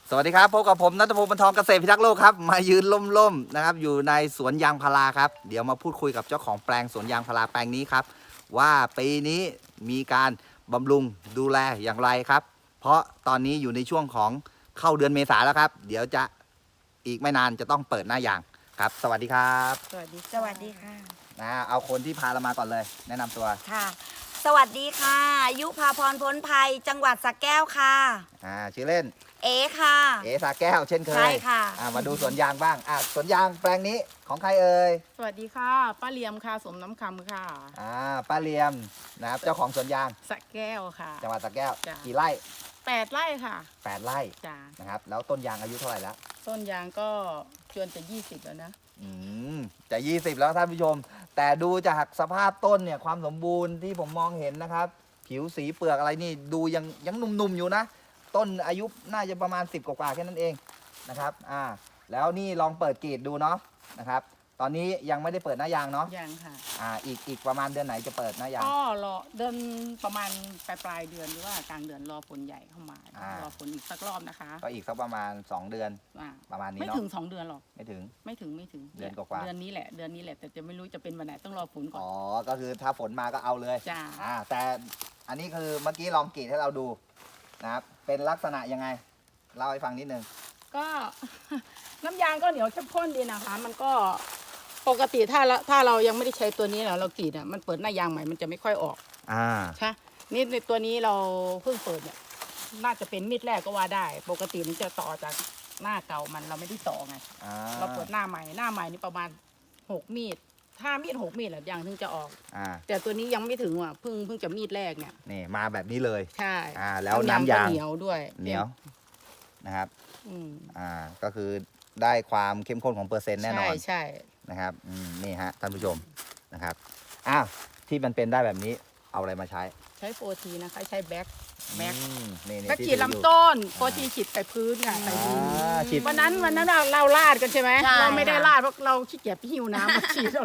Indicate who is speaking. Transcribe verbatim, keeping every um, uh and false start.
Speaker 1: สวัสดีครับพบกับผมณัฐพงศ์ บรรทองเกษตรพิทักษ์โลกครับมายืนล่มๆนะครับอยู่ในสวนยางพาราครับเดี๋ยวมาพูดคุยกับเจ้าของแปลงสวนยางพาราแปลงนี้ครับว่าปีนี้มีการบำรุงดูแลอย่างไรครับเพราะตอนนี้อยู่ในช่วงของเข้าเดือนเมษาแล้วครับเดี๋ยวจะอีกไม่นานจะต้องเปิดหน้ายางครับสวัสดีครับ
Speaker 2: สวัสดี
Speaker 3: สวัสดีค่ะ
Speaker 1: นะเอาคนที่พาเรามาก่อนเลย แนะนำตัว
Speaker 3: ค่ะ สวัสดีค่ะ ยุพาพรพ้นภัย จังหวัดสระแก้วค่ะ
Speaker 1: อ่าชื่อเล่น
Speaker 3: เอค่ะ
Speaker 1: เอสาแก้วเช่นเคย
Speaker 3: ใช่ค่ะ
Speaker 1: อ่ามาดูสวนยางบ้างอ่าสวนยางแปลงนี้ของใครเอ่ย
Speaker 2: สวัสดีค่ะป้าเลียมค่ะสมน้ำคำค่ะ
Speaker 1: อ่าป้าเลียมนะครับเจ้าของสวนยาง
Speaker 2: สระแก้วค่ะ
Speaker 1: จังหวัดสระแก้ว
Speaker 2: จ้ะ
Speaker 1: กี่ไร่
Speaker 2: แปดไร่ค่ะ
Speaker 1: แปดไร่
Speaker 2: จ้า
Speaker 1: นะครับแล้วต้นยางอายุเท่าไหร่แล้ว
Speaker 2: ต้นยางก็จวนจะยี่สิบแล้วนะ
Speaker 1: อืมจะยี่สิบแล้วท่านผู้ชม แต่ดูจากสภาพต้นเนี่ยความสมบูรณ์ที่ผมมองเห็นนะครับ ผิวสีเปลือกอะไรนี่ดูยังยังหนุ่มๆอยู่นะ ต้นอายุน่าจะประมาณสิบกว่าๆแค่นั้นเองนะครับอ่าแล้วนี่ลองเปิดกรีดดูเนาะนะครับตอนนี้ยังไม่ได้เปิดหน้ายางเนาะ
Speaker 2: ยังค่ะ
Speaker 1: อ่าอีกอีกประมาณเดือนไหนจะเปิดหน้ายาง
Speaker 2: ก็รอเดินประมาณปลายปลายๆเดือนหรือว่ากลางเดือนรอฝนใหญ่เข้ามา
Speaker 1: อ่าร
Speaker 2: รอฝนอีกสักรอบนะคะ
Speaker 1: ก็อีกสักประมาณสองเดือน
Speaker 2: อ่า
Speaker 1: ประมาณนี้
Speaker 2: ไม่
Speaker 1: เนาะ
Speaker 2: ถึงสองเดือนหรอก
Speaker 1: ไม่ถึง
Speaker 2: ไม่ถึงไม่ถึง
Speaker 1: เดือนกว่าๆ
Speaker 2: เดือนนี้แหละเดือนนี้แหละแต่จะไม่รู้จะเป็นวันไหนต้องรอฝนก่อน
Speaker 1: อ๋อก็คือถ้าฝนมาก็เอาเลย
Speaker 2: จ้า
Speaker 1: อ่าแต่อันนี้คือเมื่อกี้ลองกรีดให้เราดูนะครับเป็นลักษณะยังไงเล่าให้ฟังนิดนึง
Speaker 2: ก็ น้ำยางก็เหนียวเข้มข้นดีนะคะ มันก็ปกติถ้าเราถ้าเรายังไม่ได้ใช้ตัวนี้นะเรากรีดอ่ะมันเปิดหน้ายางใหม่มันจะไม่ค่อยออก
Speaker 1: อ่า
Speaker 2: ใช่นี่ในตัวนี้เราเพิ่งเปิดเนี่ยน่าจะเป็นมีดแรกก็ว่าได้ ปกติมันจะต่อจากหน้าเก่ามันเราไม่ได้ต่อไง
Speaker 1: อ่า
Speaker 2: เราเปิดหน้าใหม่หน้าใหม่นี่ประมาณหกมีดถ้ามีดหกมีดแหละยางถึงจะออก
Speaker 1: อ่า
Speaker 2: แต่ตัวนี้ยังไม่ถึงว่ะเพิ่งเพิ่งจะมีดแรกเนี่ย
Speaker 1: นี่มาแบบนี้เลย
Speaker 2: ใช่
Speaker 1: อ่าแล้วน้ำยาง
Speaker 2: ก็เหนียวด้วย
Speaker 1: เหนียวนะครับ
Speaker 2: อืม
Speaker 1: อ่าก็คือได้ความเข้มข้นของเปอร์เซ็นต์แน่นอน
Speaker 2: ใช่ใช่
Speaker 1: นะครับอืมนี่ฮะท่านผู้ชมนะครับอ้าวที่มันเป็นได้แบบนี้เอาอะไรมาใช้
Speaker 2: ใช้โฟทีนะคะใช้แบ็คแบ็ค
Speaker 1: อืมนี่นี่
Speaker 2: ก็
Speaker 1: ที่
Speaker 2: ฉีด
Speaker 1: ถืออยู่
Speaker 2: ลำต้นโฟทีฉีดไปพื้นไงไป
Speaker 1: อ่
Speaker 2: ดิน
Speaker 1: าฉีด
Speaker 2: วันนั้นวันนั้นเราเราลาดกันใช่ไหม
Speaker 3: ใช่
Speaker 2: เราไม่ได้
Speaker 3: ค่ะ
Speaker 2: ลาดเพราะเราขี้เกียจไปหิวน้ำมาฉีดเรา